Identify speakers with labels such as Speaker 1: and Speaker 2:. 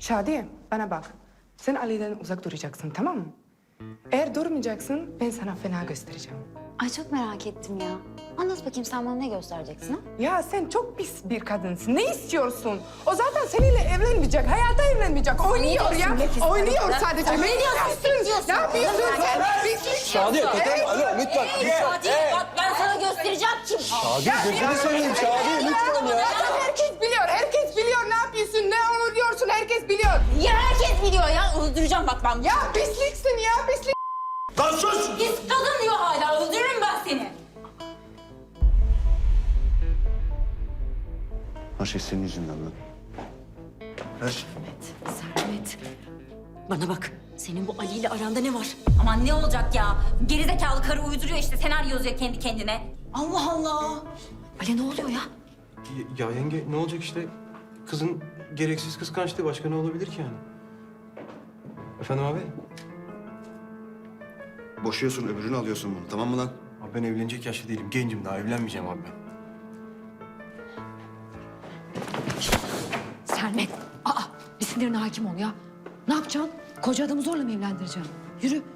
Speaker 1: Şadiye, bana bak. Sen Ali'den uzak duracaksın, tamam mı? Eğer durmayacaksın, ben sana fena göstereceğim.
Speaker 2: Ay çok merak ettim ya. Anlat bakayım sen bana ne göstereceksin ha?
Speaker 1: Ya sen çok pis bir kadınsın. Ne istiyorsun? O zaten seninle evlenmeyecek, hayata evlenmeyecek. Oynuyor ya. Oynuyor sadece. Ne yapıyorsun? Ne yapıyorsun sen?
Speaker 3: Şadiye, alo lütfen.
Speaker 2: Hadi bak ben sana göstereceğim kim.
Speaker 3: Şadiye, gözünü seveyim Şadiye lütfen ya.
Speaker 1: Herkes biliyor ne yapıyorsun, ne oluyorsun, herkes biliyor.
Speaker 2: Ya herkes biliyor ya. Öldüreceğim bak ben.
Speaker 1: Ya pisliksin ya, pislik.
Speaker 3: Lan sus!
Speaker 2: Pis kadın diyor hala. Öldürürüm ben seni.
Speaker 3: Her şey senin yüzünden lan. Her şey.
Speaker 4: Sermet, bana bak. Senin bu Ali ile aranda ne var?
Speaker 2: Aman ne olacak ya? Gerizekalı karı uyduruyor işte. Senaryo yazıyor kendi kendine.
Speaker 4: Allah Allah. Ali ne oluyor ya?
Speaker 5: Ya yenge ne olacak işte? Kızın gereksiz kıskançlığı başka ne olabilir ki yani? Efendim abi?
Speaker 3: Boşuyorsun, öbürünü alıyorsun bunu. Tamam mı lan?
Speaker 5: Abi ben evlenecek yaşta değilim. Gencim daha evlenmeyeceğim abi ben.
Speaker 4: Sermet, bir sinirine hakim ol ya. Ne yapacaksın? Koca adamı zorla mı evlendireceksin? Yürü.